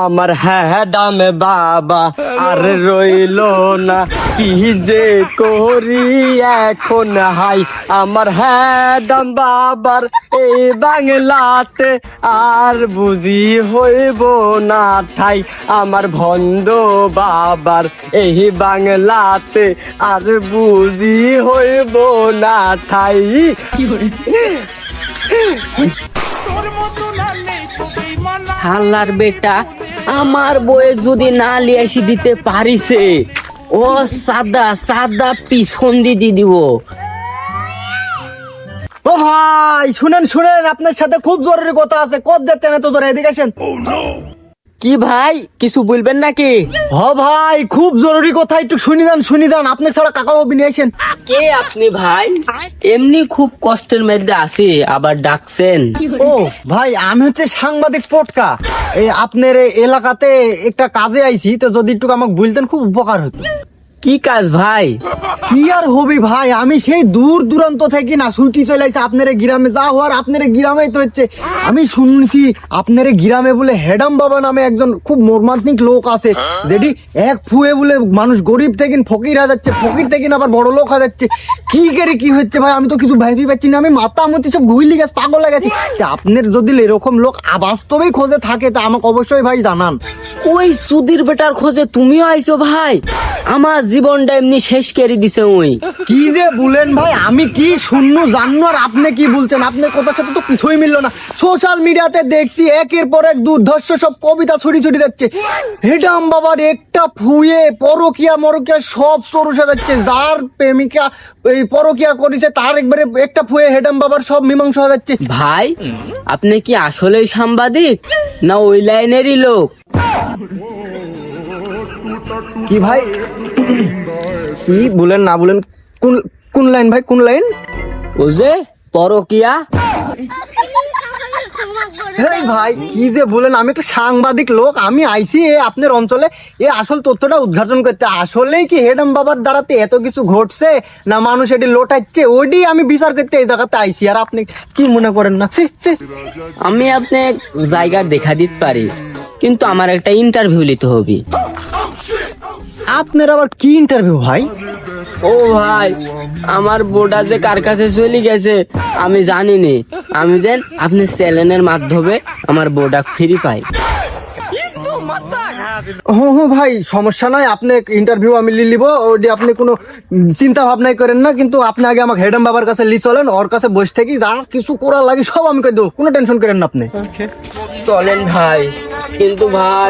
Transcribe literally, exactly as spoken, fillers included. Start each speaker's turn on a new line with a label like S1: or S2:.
S1: আমার হ্যাঁ দামে বাবা আর রইলো না, কি যে করি এখন হাই। আমার হ্যাঁ দাম বাবার এই বাংলাতে আর বুঝি হইব না ঠাই। আমার ভন্ড বাবার এই বাংলাতে আর বুঝি হইব না ঠাই।
S2: হাল্লার বেটা আমার বয়ে যদি না লিয়ে এসে দিতে পারিছে, ও সাদা সাদা পিছন দি দিব।
S1: ও ভাই শুনেন শুনেন, আপনার সাথে খুব জরুরি কথা আছে। কত যেতে না তো জোরে, এদিকে আসেন।
S2: কি ভাই কিছু বলবেন নাকি?
S1: হ ভাই খুব জরুরি কথা, একটু শুনি দেন শুনি দেন। আপনার ছাড়া কাকা বাবু নিয়ে আসেন।
S2: কে আপনি ভাই? এমনি খুব কষ্টের মধ্যে আছি, আবার ডাকছেন?
S1: ও ভাই আমি হচ্ছে সাংবাদিক পটকা, এই আপনার এই এলাকাতে একটা কাজে আইছি, তো যদি একটু আমাকে বলতেন খুব উপকার হতো।
S2: কি কাজ ভাই?
S1: কি আর হবি ভাই, আমি সেই দূর দূরান্ত থেকে না ছুটি চলে আইছি আপনার গ্রামে। যা হওয়ার আপনার গ্রামেই তো হচ্ছে। আমি শুনছি আপনার গ্রামে বলে হেডাম বাবা নামে একজন খুব মর্মান্তিক লোক আছে, যেটি এক ফুয়ে বলে মানুষ গরিব থেকে ফকির হয়ে যাচ্ছে, ফকির থেকে আবার বড় লোক হয়ে যাচ্ছে। কি করে কি হচ্ছে ভাই, আমি তো কিছু ভাবি পাচ্ছি না। আমি মাথা মতি সব ঘুরলি গেছে, পাগল হয়ে গেছি। তা আপনার যদি এরকম লোক বাস্তবেই খোঁজে থাকে তা আমাকে অবশ্যই ভাই জানান।
S2: ওই সুধীর বেটার খোঁজে তুমিও আইছো ভাই? আমার জীবনটা এমনি শেষ করে দিছে ওই।
S1: কি যে বলেন ভাই, আমি কি শূন্য জানো আর আপনি কি বলছেন? আপনার কথার সাথে তো কিছুই মিললো না। সোশ্যাল মিডিয়াতে দেখছি একের পর এক দুর্ধর্ষ সব কবিতা ছড়ি ছড়ি যাচ্ছে। হেডাম বাবার একটা ফুয়ে পরকিয়া মরকিয়া সব সরুষা যাচ্ছে। যার প্রেমিকা এই পরকিয়া করেছে তার একবারে একটা ফুয়ে হেডাম বাবার সব মীমাংসা হয়ে যাচ্ছে।
S2: ভাই আপনি কি আসলেই সাংবাদিক না ওই লাইনেরই লোক?
S1: কি ভাই কি বলেন না বলেন, কোন কোন লাইন ভাই, কোন লাইন?
S2: ও যে পরকিয়া।
S1: এই ভাই কি যে বলেন, আমি একটা সাংবাদিক লোক, আমি আইছি এ আপনার অঞ্চলে এ আসল তথ্যটা উদ্ঘাটন করতে। আসলেই কি হেডাম বাবার দ্বারাতে এত কিছু ঘটছে না মানুষ এটি লোটাচ্ছে, ওইটি আমি বিচার করতে এই জায়গাতে আইছি। আর আপনি কি মনে করেন না? ছি ছি।
S2: আমি আপনি জায়গা দেখা দিতে পারি, কিন্তু আমার একটা ইন্টারভিউ নিতে হবে।
S1: আপনার আবার কি ইন্টারভিউ ভাই?
S2: ও ভাই আমার বোর্ডা যে কার কাছে চলে গেছে আমি জানি নি। আমি যেন আপনি চ্যানেলের মাধ্যমে আমার বোর্ডা ফ্রি পাই।
S1: হ্যাঁ হ্যাঁ ভাই সমস্যা নাই, আপনি ইন্টারভিউ আমি লি লিব, ওটি আপনি কোনো চিন্তা ভাবনাই করেন না। কিন্তু আপনি আগে আমাকে হেডাম বাবার কাছে লি চলেন, ওর কাছে বসে থেকে যা কিছু করার লাগে সব আমি করে দেবো, কোনো টেনশন করেন না আপনি।
S2: চলেন ভাই, কিন্তু ভাই